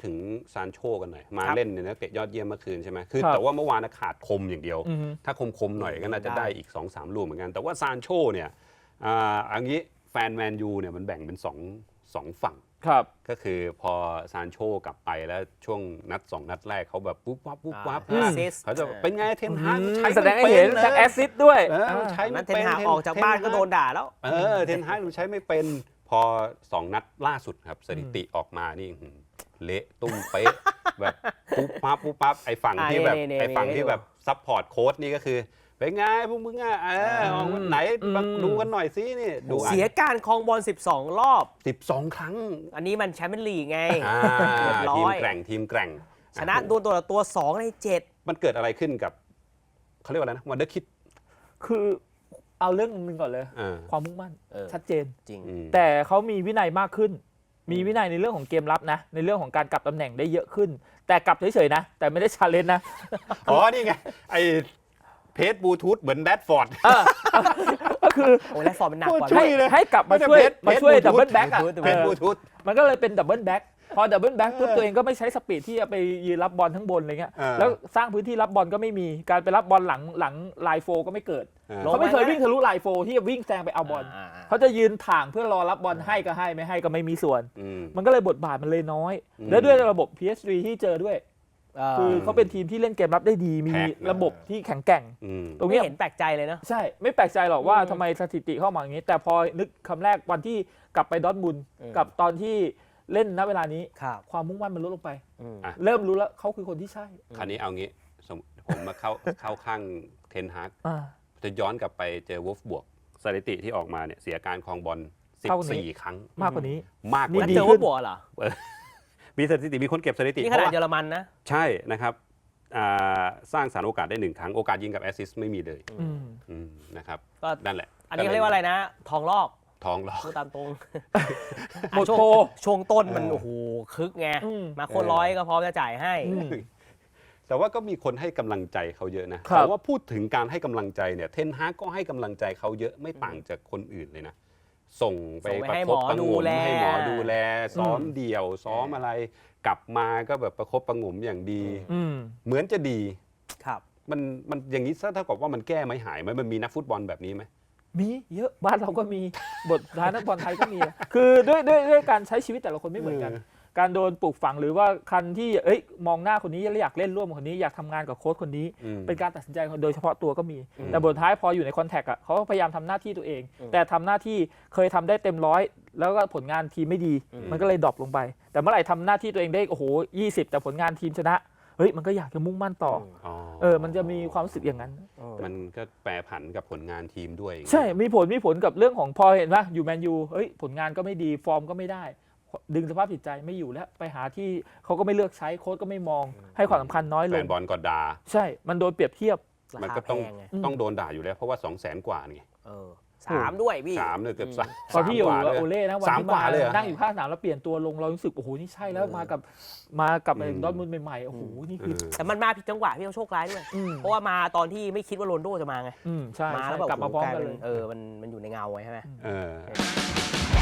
ถึงซานโชกันหน่อยมาเล่นเนี่ยนะเตะยอดเยี่ยมเมื่อคืนใช่ไหมคือแต่ว่าเมื่อวานขาดคมอย่างเดียวถ้าคมหน่อยก็น่าจะได้อีก 2-3 ลูกเหมือนกันแต่ว่าซานโชเนี่ยอันนี้แฟนแมนยูเนี่ยมันแบ่งเป็น2ฝั่งก็คือพอซานโชกลับไปแล้วช่วงนัด2 นัดแรกเขาแบบปุ๊บวับเขาจะเป็นไงเทนฮากใช้แสดงให้เห็นจากแอสซิสต์ด้วยใช้ไม่เป็นเทนฮากออกจากบ้านก็โดนด่าแล้วเทนฮากใช้ไม่เป็นพอ2 นัดล่าสุดครับสถิติออกมานี่เละตุ้มเป๊ะแบบปุ๊บปั๊บไอ้ฝั่งที่แบบซัพพอร์ตโค้ชนี่ก็คือเป็นไงพวกมึงออกวันไหนดูกันหน่อยสินี่ดูเสียการครองบอล12 รอบ 12 ครั้งอันนี้มันแชมเปี้ยนลีกไงทีมแกร่งชนะตัวต่อตัว2 ใน 7 มันเกิดอะไรขึ้นกับเขาเรียกว่าอะไรนะวันเดอร์คิดคือเอาเรื่องนึงก่อนเลยความมุ่งมั่นชัดเจนจริงแต่เขามีวินัยมากขึ้นมีวินัยในเรื่องของเกมรับนะในเรื่องของการกลับตำแหน่งได้เยอะขึ้นแต่กลับเฉยๆนะแต่ไม่ได้ชาเลนจ์นะนี่ไงไอเพจบลูทูธเหมือนแรดฟอร์ดก็คือแรดฟอร์ดมันหนักกว่าให้กลับมาช่วยดับเบิลแบ็กอ่ะเพจบลูทูธมันก็เลยเป็นดับเบิลแบ็กพอดับเบิลแบ็กปุ๊บตัวเองก็ไม่ใช้สปีดที่จะไปยืนรับบอลทั้งบนอะไรเงี้ยแล้วสร้างพื้นที่รับบอลก็ไม่มีการไปรับบอลหลังไลน์โฟก็ไม่เกิดเขาไม่เคยวิ่งทะลุไลน์โฟที่จะวิ่งแซงไปเอาบอลเขาจะยืนถ่างเพื่อรอรับบอลให้ก็ให้ไม่ให้ก็ไม่มีส่วนมันก็เลยบทบาทมันเลยน้อยแล้วด้วยระบบ PSG ที่เจอด้วยคือเขาเป็นทีมที่เล่นเกมรับได้ดีมีระบบที่แข็งแกร่งตรงนี้เห็นแปลกใจเลยนะใช่ไม่แปลกใจหรอกว่าทำไมสถิติเข้ามาอย่างนี้แต่พอนึกคำแรกวันที่กลับไปดอร์ทมุนด์กับตอนที่เล่นณเวลานี้ความมุ่งมั่นมันลดลงไปเริ่มรู้แล้วเขาคือคนที่ใช่คราวนี้เอางี้ผมมาเข้าข้างเทนฮากจะย้อนกลับไปเจอวอลฟบวกสถิติที่ออกมาเนี่ยเสียการครองบอล14 ครั้งมากกว่านี้แล้วเจอวอลฟบวกเหรอมีสถิติมีคนเก็บสถิตินี่ขนาดเยอรมันนะใช่นะครับสร้างสรรค์โอกาสได้1 ครั้งโอกาสยิงกับแอสซิสต์ไม่มีเลยนะครับก็นั่นแหละอันนี้เขาเรียกว่าอะไรนะทองลอกพูดตามตรงหมดโปรช่วงต้นมันโอ้โหคึกไงมาคนร้อยก็พร้อมจะจ่ายให้แต่ว่าก็มีคนให้กำลังใจเขาเยอะนะแต่ว่าพูดถึงการให้กำลังใจเนี่ยเทนฮากก็ให้กำลังใจเขาเยอะไม่ต่างจากคนอื่นเลยนะส่งไปประคบประงมให้หมอดูแลซ้อมเดี่ยวซ้อมอะไรกลับมาก็แบบประคบประงมอย่างดีเหมือนจะดีครับมันอย่างนี้เท่ากับว่ามันแก้ไม่หายไหมมันมีนักฟุตบอลแบบนี้ไหมมีเยอะบ้านเราก็มีบทร้ายนักบอลไทยก็มีคือด้วยการใช้ชีวิตแต่ละคนไม่เหมือนกันการโดนปลูกฝังหรือว่าคันที่มองหน้าคนนี้แล้วอยากเล่นร่วมกับคนนี้อยากทำงานกับโค้ชคนนี้เป็นการตัดสินใจโดยเฉพาะตัวก็มีแต่บทท้ายพออยู่ในคอนแทคเขาพยายามทำหน้าที่ตัวเองแต่ทำหน้าที่เคยทำได้เต็มร้อยแล้วก็ผลงานทีมไม่ดีมันก็เลยดรอปลงไปแต่เมื่อไหร่ทำหน้าที่ตัวเองได้โอ้โห20แต่ผลงานทีมชนะมันก็อยากจะมุ่งมั่นต่อมันจะมีความรู้สึกอย่างนั้นมันก็แปรผันกับผลงานทีมด้วยใช่มีผลกับเรื่องของพอเห็นว่าอยู่แมนยูผลงานก็ไม่ดีฟอร์มก็ไม่ได้ดึงสภาพจิตใจไม่อยู่แล้วไปหาที่เขาก็ไม่เลือกใช้โค้ชก็ไม่มองให้ความสำคัญน้อยลงแฟนบอลก็ด่าใช่มันโดนเปรียบเทียบมันก็ต้องโดนด่าอยู่แล้วเพราะว่า200,000 กว่าไง 3ด้วยพี่ 3เลยเกือบตอนที่อยู่โอเล่นะวันที่มานั่งอยู่ข้างสนามแล้วเปลี่ยนตัวลงเรารู้สึกโอ้โหนี่ใช่แล้วมากับดอร์ทมุนด์ใหม่ๆโอ้โหนี่คือแต่มันมาผิดจังหวะพี่เขาโชคร้ายด้วยเพราะว่ามาตอนที่ไม่คิดว่าโรนลโดจะมาไงใช่มาแล้วแบบกลับมาพร้อมกันมันอยู่ในเงาไว้ใช่ไหม